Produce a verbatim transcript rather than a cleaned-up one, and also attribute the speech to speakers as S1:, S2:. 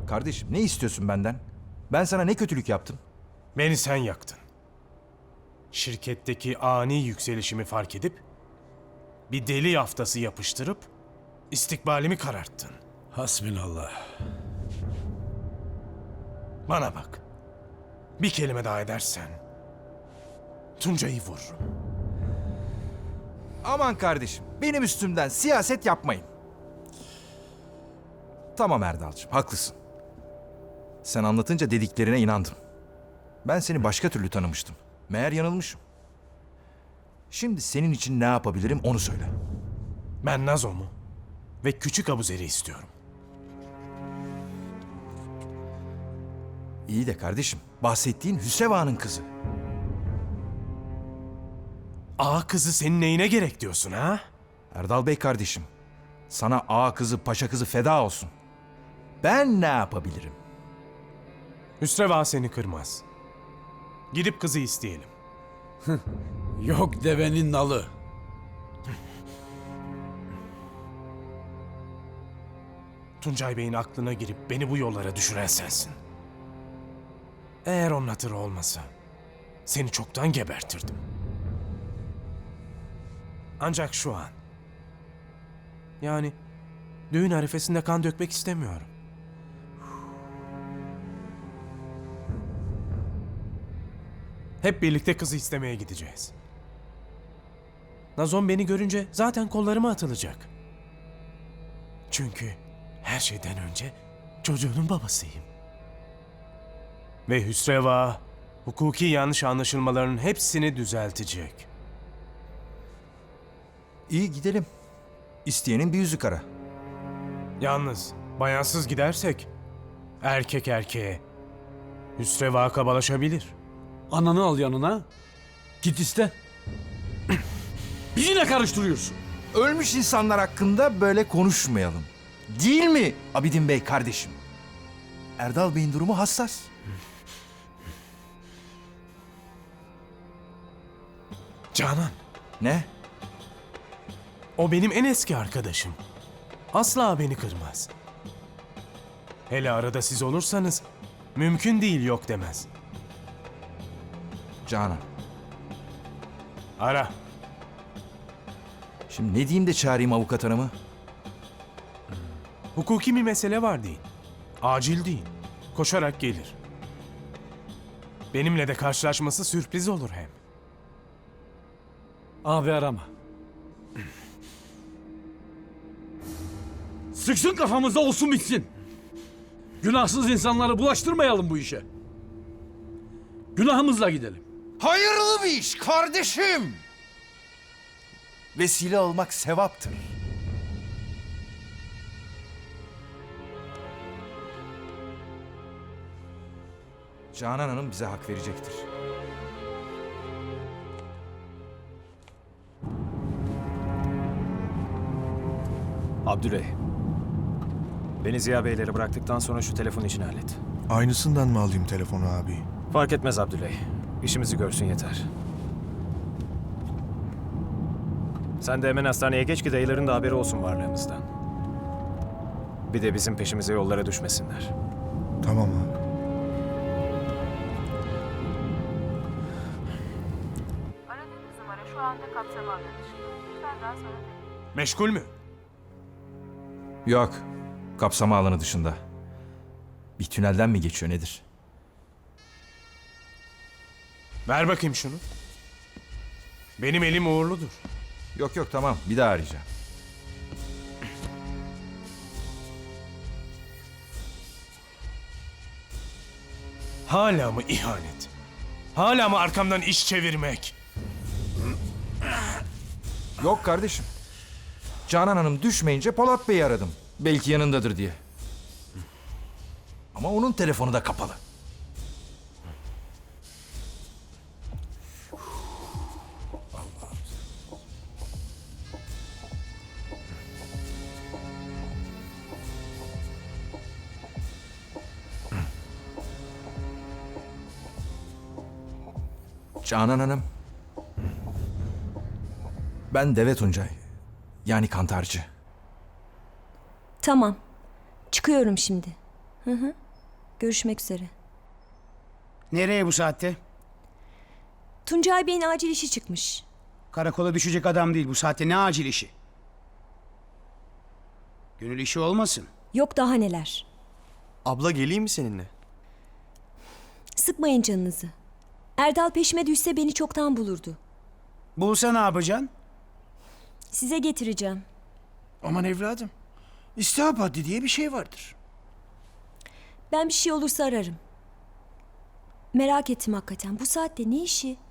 S1: Kardeşim ne istiyorsun benden? Ben sana ne kötülük yaptım?
S2: Beni sen yaktın. Şirketteki ani yükselişimi fark edip bir deli yaftası yapıştırıp istikbalimi kararttın.
S3: Hasbinallah.
S2: Bana bak. Bir kelime daha edersen Tuncay'ı vururum.
S1: Aman kardeşim, benim üstümden siyaset yapmayın. Tamam Erdal'cığım, haklısın. Sen anlatınca dediklerine inandım. Ben seni başka türlü tanımıştım. Meğer yanılmışım. Şimdi senin için ne yapabilirim onu söyle.
S2: Ben Nazo'mu ve küçük Abuzer'i istiyorum.
S1: İyi de kardeşim, bahsettiğin Hüseva'nın kızı.
S2: Ağa kızı senin neyine gerek diyorsun ha?
S1: Erdal Bey kardeşim, sana ağa kızı, paşa kızı feda olsun. Ben ne yapabilirim?
S2: Hüsreva seni kırmaz. Gidip kızı isteyelim.
S3: Yok devenin nalı.
S2: Tuncay Bey'in aklına girip beni bu yollara düşüren sensin. Eğer onun hatırı olmasa seni çoktan gebertirdim. Ancak şu an, yani düğün arifesinde kan dökmek istemiyorum. Hep birlikte kızı istemeye gideceğiz. Nazon beni görünce zaten kollarıma atılacak. Çünkü her şeyden önce çocuğunun babasıyım. Ve Hüsreva, hukuki yanlış anlaşılmaların hepsini düzeltecek.
S1: İyi gidelim. İsteyenin bir yüzü kara.
S2: Yalnız bayansız gidersek erkek erkeğe Hüsreva kabalaşabilir.
S3: Ananı al yanına. Git iste. Bizi ne karıştırıyorsun?
S1: Ölmüş insanlar hakkında böyle konuşmayalım. Değil mi Abidin Bey kardeşim? Erdal Bey'in durumu hassas.
S2: Canan,
S1: Ne?
S2: o benim en eski arkadaşım. Asla beni kırmaz. Hele arada siz olursanız mümkün değil yok demez.
S1: Canan.
S2: Ara.
S1: Şimdi ne diyeyim de çağırayım avukat hanımı?
S2: Hukuki bir mesele var değil. Acil değil. Koşarak gelir. Benimle de karşılaşması sürpriz olur hem.
S3: Abi arama. Sıksın kafamızda olsun bitsin. Günahsız insanları bulaştırmayalım bu işe. Günahımızla gidelim.
S1: Hayırlı bir iş kardeşim. Vesile olmak sevaptır. Canan Hanım bize hak verecektir.
S4: Abdüley. Beni Ziya Beylere bıraktıktan sonra şu telefon işini hallet.
S5: Aynısından mı alayım telefonu abi?
S4: Fark etmez Abdüley. İşimizi görsün yeter. Sen de hemen hastaneye geç ki dayıların da haberi olsun varlığımızdan. Bir de bizim peşimize yollara düşmesinler.
S5: Tamam abi.
S6: Aradığınız numara şu anda kapsama alanı dışında. Lütfen daha sonra deneyin.
S2: Meşgul mü?
S1: Yok. Kapsama alanı dışında. Bir tünelden mi geçiyor nedir?
S2: Ver bakayım şunu. Benim elim uğurludur.
S1: Yok yok tamam bir daha arayacağım.
S2: Hala mı ihanet? Hala mı arkamdan iş çevirmek?
S1: Yok kardeşim. Canan Hanım düşmeyince Polat Bey'i aradım. Belki yanındadır diye. Ama onun telefonu da kapalı. Canan Hanım. Ben Deve Tuncay. Yani kantarcı.
S7: Tamam. Çıkıyorum şimdi. Görüşmek üzere.
S8: Nereye bu saatte?
S7: Tuncay Bey'in acil işi çıkmış.
S8: Karakola düşecek adam değil bu saatte, ne acil işi? Gönül işi olmasın.
S7: Yok daha neler.
S9: Abla geleyim mi seninle?
S7: Sıkmayın canınızı. Erdal peşime düşse beni çoktan bulurdu.
S8: Bulsa ne yapacaksın?
S7: Size getireceğim.
S5: Aman evladım. İstihap haddi diye bir şey vardır.
S7: Ben bir şey olursa ararım. Merak ettim hakikaten. Bu saatte ne işi?